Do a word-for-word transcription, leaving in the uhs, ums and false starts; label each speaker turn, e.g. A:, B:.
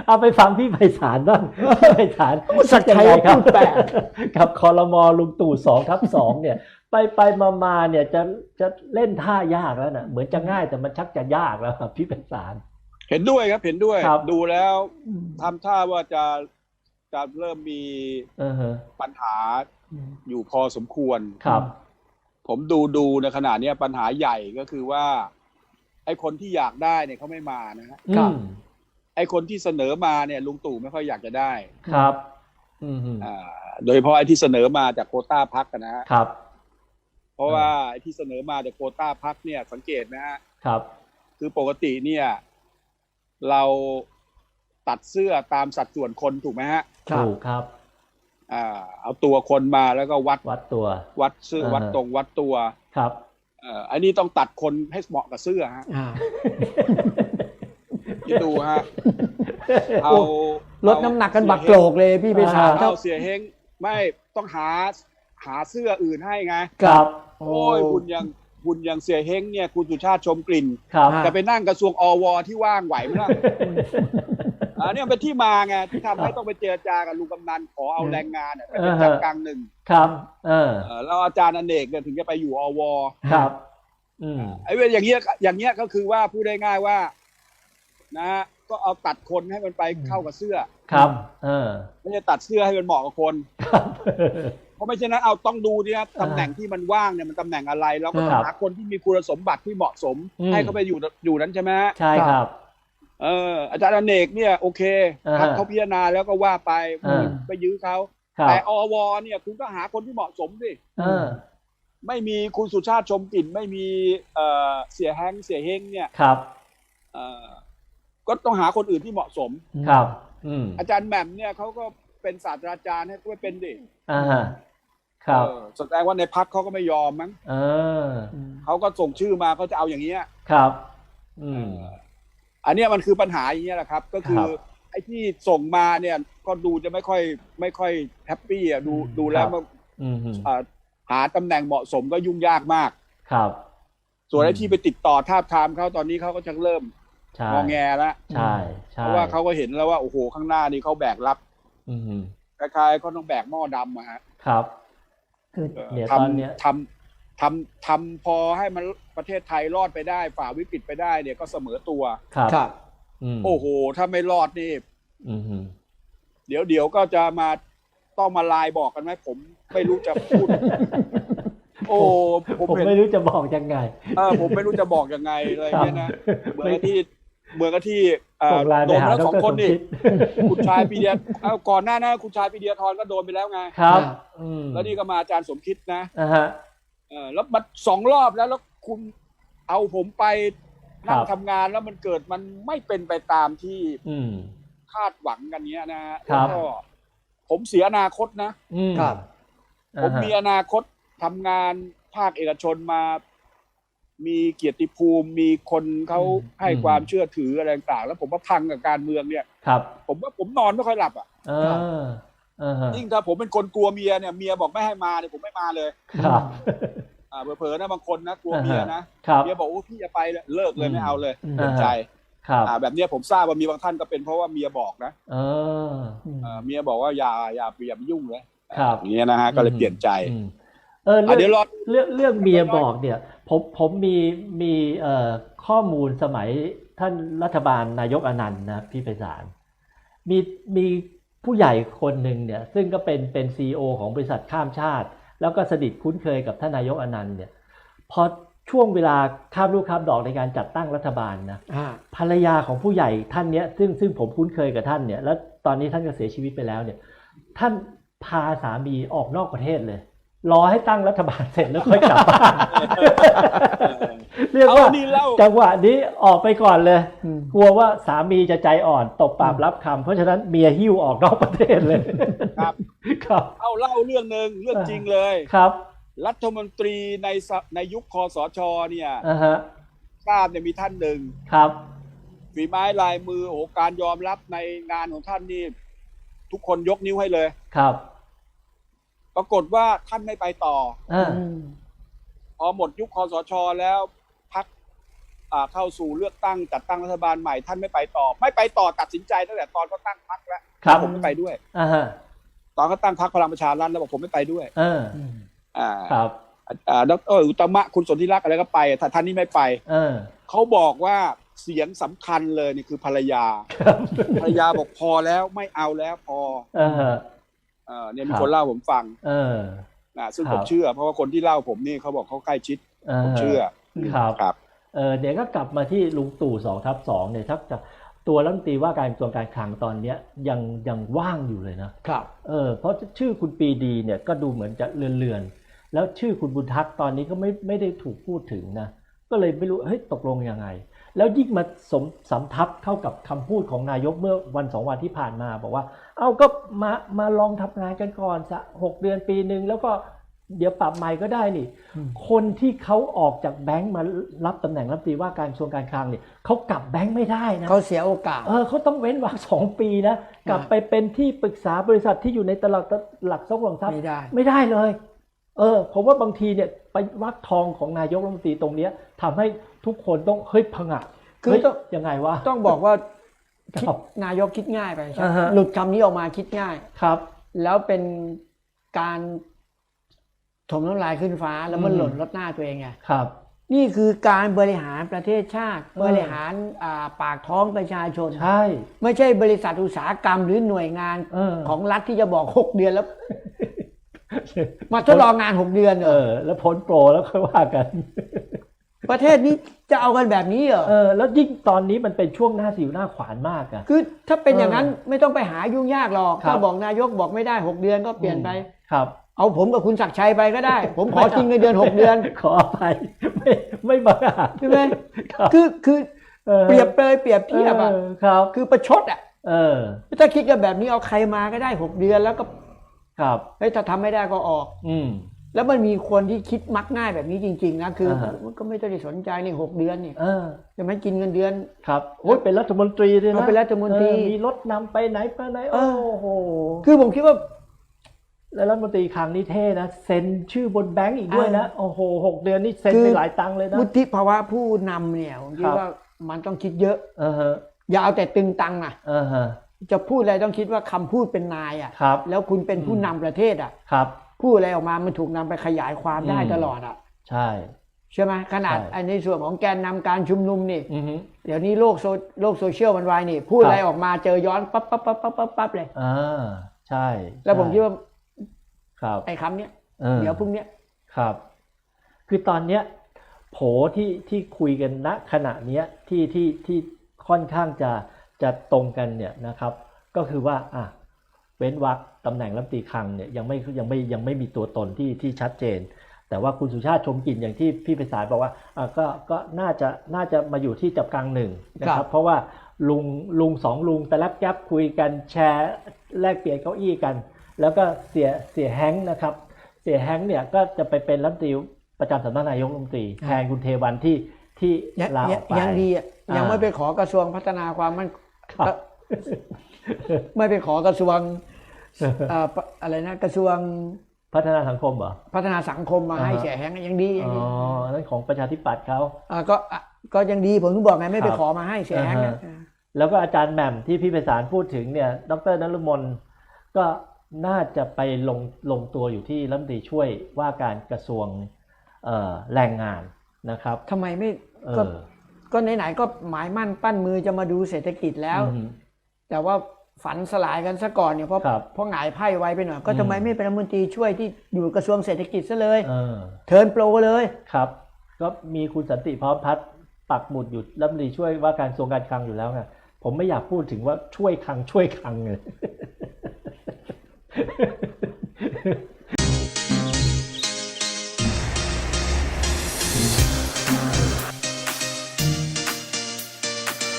A: เอาไปฟังพี่ไพศาลบ้างพี่ไพศาล
B: สักชัยพูดแปลก
A: กับครม.ลุงตู่สองทับสองเนี่ยไปไปมามาเนี่ยจะจะเล่นท่ายากแล้วนะเหมือนจะง่ายแต่มันชักจะยากแล้วครับพี่ไพศาล
C: เห็นด้วยครับเห็นด้วย
A: ครับ
C: ดูแล้วทำท่าว่าจะจะเริ่มมี
A: อือฮะ
C: ปัญหาอยู่พอสมควร
A: ครับ
C: ผมดูดูในขณะนี้ปัญหาใหญ่ก็คือว่าไอ้คนที่อยากได้เนี่ยเขาไม่มานะฮะ
A: ครับ
C: ไอ้คนที่เสนอมาเนี่ยลุงตู่ไม่ค่อยอยากจะได้
A: ครับ อืม
C: อ่าโดยเฉพาะไอ้ที่เสนอมาจากโควต้าพรรคนะฮะ
A: ครับ
C: เพราะว่าไอ้ที่เสนอมาจากโควต้าพรรคเนี่ยสังเกตนะฮะ
A: ครับ
C: คือปกติเนี่ยเราตัดเสื้อตามสัดส่วนคนถูกไหมฮะ
A: ถูกครับ
C: อ่าเอาตัวคนมาแล้วก็วัด
A: วัดตัว
C: วัดเสื้อ
A: อ่าฮะ
C: วัดตรงวัดตัว
A: ครับ
C: เอ่ออันนี้ต้องตัดคนให้เหมาะกับเสื้อฮะ
B: อ่า
C: คิดดูฮะเอา
B: ลดน้ำหนักกันบักโกรกเลยพี่ไพศาลครั
C: เอา
B: บ
C: เสียเฮงไม่ต้องหาหาเสื้ออื่นให้ไง
A: ครับ
C: โอ้ยหุ่นยังหุ่นยังเสียเฮงเนี่ยคุณสุชาติชมกลิ่น
A: ครับ
B: อ่า
C: จะไปนั่งกระทรวงอวที่ว่างไหวไหมล่ะ อันนี้เป็นที่มาไงที่ทำให้ต้องไปเจรจากับลุงกำนันขอเอาแรงงานเนี่ยไปเป็นจักรกลางหนึ่ง
A: ครับ เออ
C: เอ่อแล้วอาจารย์อเนกเนี่ยถึงจะไปอยู่อว
A: ครับ อืม
C: ไอ้เว้ยอย่างเงี้ยอย่างเงี้ยก็คือว่าพูดได้ง่ายว่านะฮะก็เอาตัดคนให้มันไปเข้ากับเสื้อ
A: ครับ เออ
C: ไม่ใช่ตัดเสื้อให้มันเหมาะกับคน
A: ครับ
C: เพราะไม่ใช่นั้นเอาต้องดูเนี่ยตำแหน่งที่มันว่างเนี่ยมันตำแหน่งอะไรแล้วก็ต้อง
A: ครับ
C: หาคนที่มีคุณสมบัติที่เหมาะสม
A: อืม
C: ให้เขาไปอยู่อยู่นั้นใช่ไหมฮะ
A: ใช่ครับ
C: เอออาจารย์อเนกเนี่ยโอเค
A: อ่าฮะ
C: พรรคเขาพิจารณาแล้วก็ว่าไป
A: อ่า
C: ไปยื้อเขา
A: ครับ
C: แต่อวเนี่ยคุณก็หาคนที่เหมาะสมสิ
A: เออ
C: ไม่มีคุณสุชาติชมกลิ่นไม่มีเอ่อเสียแฮงเสียเฮงเนี่ย
A: ครับ
C: เอ่อก็ต้องหาคนอื่นที่เหมาะสม
A: ครับ อืม
C: อาจารย์แหม่มเนี่ยเขาก็เป็นศาสตราจารย์ให้ก็เป็นดิ
A: อ่าฮะครับ
C: เออแสดงว่าในพรรคเขาก็ไม่ยอมมั้ง
A: เออ
C: เขาก็ส่งชื่อมาเขาจะเอาอย่างเงี้ย
A: ครับ อืม
C: อันเนี้ยมันคือปัญหาอย่างเงี้ยแหละครับ ก็คือ
A: ครับ
C: ไอ้ที่ส่งมาเนี่ยก็ดูจะไม่ค่อยไม่ค่อยแฮปปี้อ่ะดูดูแล้วมัน
A: อืม
C: อ่าหาตำแหน่งเหมาะสมก็ยุ่งยากมาก
A: ครับ
C: ส่วนไอ้ที่ไปติดต่อทาบทามเขาตอนนี้เขาก็จะเริ่ม
A: ใช่
C: งอแงแล้ว
A: ใช่ใช่
C: เพราะว่าเขาก็เห็นแล้วว่าโอ้โหข้างหน้านี่เขาแบกรับ
A: อืม
C: คล้ายๆเขาต้องแบกหม้อดำอะฮะ
A: ครับ
B: คือ
C: เอ่อ
A: เนี่ย
C: ท
A: ตอนเนี้ย
C: ำทำทำทำพอให้มันประเทศไทยรอดไปได้ฝ่าวิกฤตไปได้เนี่ยก็เสมอตัว
A: ครับ
B: ครับ
A: อืม
C: โอ้โหถ้าไม่รอดนี่
A: อืม
C: เดี๋ยวเดี๋ยวก็จะมาต้องมาไลน์บอกกันไหมผมไม่รู้จะพูด โอ้ผม
A: ผม
C: เห็น
A: ไม่รู้จะบอกยังไง
C: เออผมไม่รู้จะบอกยังไงเลยเนี่ยนะเหมือนกับที่เหมือนกับที่เอ่อ
A: ส่งไลน์
C: โด
A: ไป
C: น
A: หา
C: แล้ว
A: ด
C: สอง
A: ร
C: คนนี่
A: สมคิด
C: คุณชายปีเดียเอาก่อนหน้านั้นคุณชายปีเดียทรก็โดนไปแล้วไง
A: ครับ อืม
C: แล้วนี่ก็มาอาจารย์สมคิดนะ
A: อ่าฮะ
C: เออแล้วมันสองรอบแล้วแล้วคุณเอาผมไปนั่ง
A: ครับ
C: ทำงานแล้วมันเกิดมันไม่เป็นไปตามที่
A: อืม
C: คาดหวังกันเนี้ยนะฮะ
A: ครั
C: แล้ว
A: บ
C: ก็ผมเสียอนาคตนะ
A: อืม
B: ครับ
C: ผมมีอนาคตทำงานภาคเอกชนมา มีเกียรติภูมิ มีคนเขาให้ความเชื่อถืออะไรต่างๆแล้วผมว่าพังกับการเมืองเนี่ย
A: ครับ
C: ผมว่าผมนอนไม่ค่อยหลับอ่ะ
A: เออเออฮะ
C: ยิ่งถ้าผมเป็นคนกลัวเมียเนี่ยเมียบอกไม่ให้มาเนี่ยผมไม่มาเลย
A: ครับ
C: อ่าเผลอๆนะบางคนนะกลัวเมียนะครับ เมียบอกโอ้พี่จะไปเลยเลิกเลยไม่เอาเลย
B: อืม
C: เปลี่ยนใจ
A: ครับ
C: อ่าแบบเนี้ยผมทราบว่ามีบางท่านก็เป็นเพราะว่าเมียบอกนะ
A: เออ
C: อ่าเมียบอกว่าอย่าอย่าอย่าไปยุ่งเลย
A: ครับ
C: อย่างเงี้ยนะฮะก็เลยเปลี่ยนใจ
A: อืมเออ
C: อ่ะเดี๋
A: เรื่
C: ยวรอ
A: องเรื่องเรื่องเมียบอกเนี่ย ผมผมมีมีเอ่อข้อมูลสมัยท่านรัฐบาลนายกอนันต์นะพี่ไพศาลมีมีผู้ใหญ่คนหนึ่งเนี่ย ซึ่งก็เป็นเป็นซีอีโอของบริษัทข้ามชาติ แล้วก็สนิทคุ้นเคยกับท่านนายกอนันต์เนี่ยพอช่วงเวลาข้ามลูกข้ามดอกในการจัดตั้งรัฐบาลนะ
B: อ่า
A: ภรรยาของผู้ใหญ่ท่านเนี้ยซึ่งซึ่งผมคุ้นเคยกับท่านเนี่ยแล้วตอนนี้ท่านก็เสียชีวิตไปแล้วเนี่ยท่านพาสามีออกนอกประเทศเลย รอให้ตั้งรัฐบาลเสร็จแล้วค่อยกลับบ้าน เรียก
C: เอา
A: ว่า
C: นี่เล่า
A: จังหวะนี้ออกไปก่อนเลย
B: อืม
A: กลัวว่าสามีจะใจอ่อนตบปากรับคำเพราะฉะนั้นเมียหิ้วออกนอกประเทศเลย
C: ครับ
A: ครับ
C: เอาเล่าเรื่องหนึ่งเรื่องจริงเลย
A: ครับ
C: รัฐมนตรีในสในยุคคสชเนี่ย
A: อ่าฮะ
C: ทราบเนี่ยมีท่านหนึ่ง
A: ครับ
C: ฝีไม้ลายมือโอ้โหการยอมรับในงานของท่านนี่ทุกคนยกนิ้วให้เลย
A: ครับ
C: ปรากฏว่าท่านไม่ไปต่อ
A: อ่า
B: อืม
C: พอหมดยุคคสชแล้วพักอ่าเข้าสู่เลือกตั้งจัดตั้งรัฐบาลใหม่ท่านไม่ไปต่อไม่ไปต่อตัดสินใจตั้งแต่ตอนเขาตั้งพรรคแล้ว
A: ครับ
C: ผมไม่ไปด้วย
A: อ่าฮะ
C: ตอนเขาตั้งพรรคพลังประชารัฐแล้วบอกผมไม่ไปด้วย
A: เออ
C: อ่า
A: ครับ
C: อ่าดรอุตตมะคุณสนธิรักษ์อะไรก็ไปถ้าท่านนี้ไม่ไป
A: เออ
C: เขาบอกว่าเสียงสำคัญเลยนี่คือภรรยา
A: ครับ
C: ภรรยาบอกพอแล้วไม่เอาแล้วพอ
A: เออ
C: เออเนี่ยมี
A: ครับ
C: คนเล่าผมฟัง
A: เออ
C: นะซึ่ง
A: ครับ
C: ผมเชื่อ เพราะว่าคนที่เล่าผมนี่เขาบอกเขาใกล้ชิด
A: เอ
C: ผมเชื่อ
A: ครับ
C: ครับ
A: เออเดี๋ยวก็กลับมาที่ลุงตู่สองทับสองเนี่ยถ้าจะตัวรัฐมนตรีว่าการกระทรวงการคลังตอนเนี้ยยังยังว่างอยู่เลยนะครับ เออเพราะชื่อคุณปรีดีเนี่ยก็ดูเหมือนจะเลือนๆแล้วชื่อคุณบุญทักษ์ตอนนี้ก็ไม่ไม่ได้ถูกพูดถึงนะก็เลยไม่รู้เฮ้ยตกลงยังไง แล้วยิ่งมาสมสำทับเข้ากับคำพูดของนายกเมื่อวันสองวันที่ผ่านมาบอกว่าเอ้าก็มามาลองทำงานกันก่อนสักหกเดือนปีหนึ่งแล้วก็เดี๋ยวปรับใหม่ก็ได้นี่ คนที่เขาออกจากแบงค์มารับตำแหน่งรัฐมนตรีว่าการกระทรวงการคลังเนี่ยเขากลับแบงค์ไม่ได้นะ
B: เขาเสียโอกาส
A: เออเขาต้องเว้นวรรคสองปีนะกลับไปเป็นที่ปรึกษาบริษัทที่อยู่ในตลาดหลักทรัพย์หลักทรัพย์
B: ไม่ได้
A: ไม่ได้เลย เออผมว่าบางทีเนี่ยไปวรรคทองของนายกรัฐมนตรีตรงเนี้ยทำให้ทุกคนต้องเฮ้ยผงะ
B: คือ
A: เฮ้ย
B: ต้อง
A: ยังไงวะ
B: ต้องบอกว่าคิด
A: ครับ
B: นายกคิดง่ายไปใช่ไหม
A: อ่าฮะ
B: หลุดคำนี้ออกมาคิดง่าย
A: ครับ
B: แล้วเป็นการถมน้ำลายขึ้นฟ้าแล้วมัน
A: อืม
B: หล่นลดหน้าตัวเองไง
A: ครับ
B: นี่คือการบริหารประเทศชาติ
A: เออ
B: บริหารอ่าปากท้องประชาชน
A: ใช่
B: ไม่ใช่บริษัทอุตสาหกรรมหรือหน่วยงาน
A: เออ
B: ของรัฐที่จะบอกหกเดือนแล้ว มาทดลองงานหกเดือนเหร
A: เอ
B: อ
A: อ แล้วพ้นโปรแล้วค่อยว่ากัน
B: ประเทศนี้จะเอากันแบบนี้เหรอ
A: เออแล้วยิ่งตอนนี้มันเป็นช่วงหน้าสิวหน้าขวานมากอะ
B: คือถ้าเป็นอย่างนั้นไม่ต้องไปหายุ่งยากหรอก
A: ครับ
B: ถ้าบอกนายกบอกไม่ได้หกเดือนก็เปลี่ยนไป
A: ครับ
B: เอาผมกับคุณศักดิ์ชัยไปก็ได้ ผมขอกินเงินเดือนหกเดือน
A: ขออภัยไม่ไม่บังอาจ
B: ใช่ไหม
A: ครับ
B: คือคือ
A: ออ
B: เปรียบเลยเปรียบเทียบอ่ะ
A: ออครับ
B: คือประชดอ่ะ
A: เออ
B: ถ้าคิดกันแบบนี้เอาใครมาก็ได้หกเดือนแล้วก็
A: ครับ
B: เฮ้ยถ้าทำไม่ได้ก็ออก
A: อืม
B: แล้วมันมีคนที่คิดมักง่ายแบบนี้จริงๆนะคืออา
A: ฮะ
B: มันก็ไม่ต้องได้สนใจนี่หกเดือนนี่
A: เออ
B: จะไม่กินเงินเดือน
A: ครับโอ้ยเป็นรัฐมนตรีด้วยนะ
B: เอาเป็นรัฐมนตรี
A: เออมีรถนำไปไหนไปไหน
B: เอ
A: โอ้
B: อ
A: โห
B: คือผมคิดว่า
A: แล้วรัฐมนตรีคลังนี่เท่นะเซ็นชื่อบนแบงก์อีกด้วยนะโอ้โหหกเดือนนี่เซ็น
B: คือ
A: ไปหลายตังค์เลยนะ
B: วุฒิภาวะผู้นำเนี่ยผมคิ
A: ค
B: ด
A: รับ
B: ว่ามันต้องคิดเยอะ
A: เออฮะ
B: อย่าเอาแต่ตึงตังอ่ะ
A: เออฮะ
B: จะพูดอะไรต้องคิดว่าคำพูดเป็นนายอ่ะ
A: ครับ
B: แล้วคุณเป็นผู้
A: อืม
B: นำประเทศอ่ะ
A: ครับ
B: พูดอะไรออกมามันถูกนำไปขยายความได้
A: อืม
B: ตลอดอ่ะ
A: ใช่
B: ใช่ไหมขนาด
A: ใช่
B: ไอ้ในส่วนของแกนนำการชุมนุมนี่
A: อือฮึ
B: เดี๋ยวนี้โลกโซโลกโซเชียลมันไวนี่ พูด
A: ครับ
B: อะไรออกมาเจอย้อนปั๊บปั๊บปั๊บปั๊บปั๊บปั๊บเลย
A: อ่าใช่
B: แล้วผม
A: ใช่
B: คิดว่า
A: ครับ
B: ไอ้คำเนี้ย
A: ออ
B: เดี๋ยวพรุ่งเนี้ย
A: ครับ คือตอนเนี้ยโผที่ที่คุยกันณขณะเนี้ยที่ที่ที่ค่อนข้างจะจะตรงกันเนี่ยนะครับ ก็คือว่าอ่ะเว้นวรรคตำแหน่งรัฐมนตรีคลังเนี่ยยังไม่ยังไม่ยังไม่มีตัวตนที่ที่ชัดเจน แต่ว่าคุณสุชาติชมกลิ่นอย่างที่พี่ไพศาลบอกว่าอ่ะก็ก็น่าจะน่าจะมาอยู่ที่จับกลางหนึ่งนะค
B: ครั
A: รับ
B: บ
A: เพราะว่าลุงลุงสองลุงแต่ละแก๊ปคุยกันแชร์แลกเปลี่ยนเก้าอี้กัน แล้วก็เสียเสียแฮงค์นะครับ เสียแฮงค์เนี่ยก็จะไปเป็นรัฐมนตรีประจำสำนักนายกรัฐมนตรีแทนคุณเทวันที่ที่
B: ยัง
A: ลาอ
B: ยั
A: อง กไป
B: ยังดีอ่ะ
A: อ่ายั
B: ยังไม่ไปขอกระทรวงพัฒนาความมัน
A: ครับ
B: ไม่ไปขอกระทรวงเอ่อปะอะไรนะกระทรวง
A: พัฒนาสังคมเหรอ
B: พัฒนาสังคมมาให้
A: อ่าฮะ
B: เสียแฮงยังดียัง
A: อ๋อ
B: ดี
A: นั่นของประชาธิปัตย์เขา
B: อ่าก็อ่ะก็ยังดีผมถึงบอกไงไม่ไป
A: ครับ
B: ขอมาให้เสียแฮง
A: อ่าฮะ แล้วก็อาจารย์แหม่มที่พี่ไพศาลพูดถึงเนี่ยดรนฤมลก็น่าจะไปลงลงตัวอยู่ที่รัฐมนตรีช่วยว่าการกระทรวงเอ่อแรงงานนะครับ
B: ทำไมไม่
A: เอ
B: ก็
A: อ
B: ก็ไหนๆก็หมายมั่นปั้นมือจะมาดูเศรษฐกิจแล้ว
A: อืม
B: แต่ว่าฝันสลายกันซะก่อนเนี่ยเพราะ
A: ครับ
B: เพราะหงายไพ่ไวไปหน่อยก็
A: อืม
B: ทำไมไม่เป็นรัฐมนตรีช่วยที่อยู่กระทรวงเศรษฐกิจซะเลย
A: เออ
B: เทิร์นโปรเลย
A: ครับ ก็มีคุณสันติพร้อมพัฒน์ปักหมุดอยู่รัฐมนตรีช่วยว่าการกระทรวงการคลังอยู่แล้วไงผมไม่อยากพูดถึงว่าช่วยคลังช่วยคลังเลย